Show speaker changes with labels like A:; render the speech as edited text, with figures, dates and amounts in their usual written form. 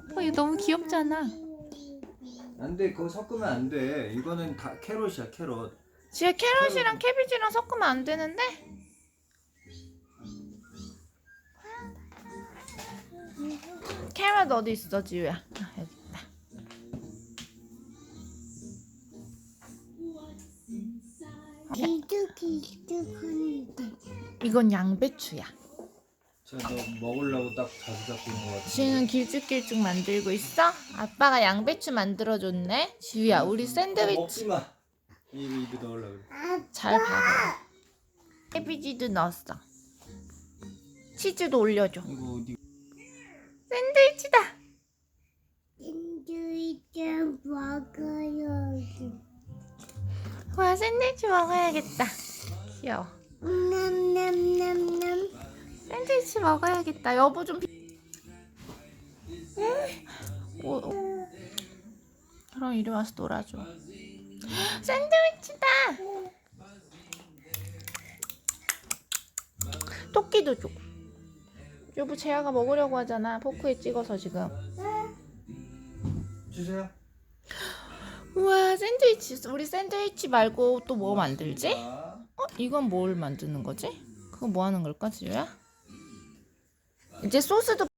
A: 이거 너무 귀엽잖아.
B: 안 돼, 그거 섞으면 안 돼. 이거는 다 캐럿이야, 캐럿.
A: 지혜 캐럿이랑 캐비지랑 섞으면 안 되는데? 캐럿 어디 있어, 지우야? 아, 여기 있다.
C: 길쭉길쭉한데.
A: 이건 양배추야.
B: 너 먹으려고 딱 자주 잡고 있는 거 같아.
A: 지우는 길쭉길쭉 만들고 있어? 아빠가 양배추 만들어줬네. 지우야, 우리 샌드위치
B: 먹지 마. 입에 넣으려고 그래.
A: 잘 봐. 캐비지도 넣었어. 치즈도 올려줘.
B: 이거 어디?
A: 샌드위치다.
C: 샌드위치 먹어요.
A: 와, 샌드위치 먹어야겠다. 귀여워.
C: 남남남남.
A: 샌드위치 먹어야겠다. 여보 좀. 그럼 이리 와서 놀아줘. 샌드위치다. 토끼도 줘. 여보 재아가 먹으려고 하잖아. 포크에 찍어서 지금.
B: 주세요.
A: 우와, 샌드위치. 우리 샌드위치 말고 또 뭐 만들지?
B: 자.
A: 이건 뭘 만드는 거지? 그거 뭐 하는 걸까, 지우야? 이제 소스도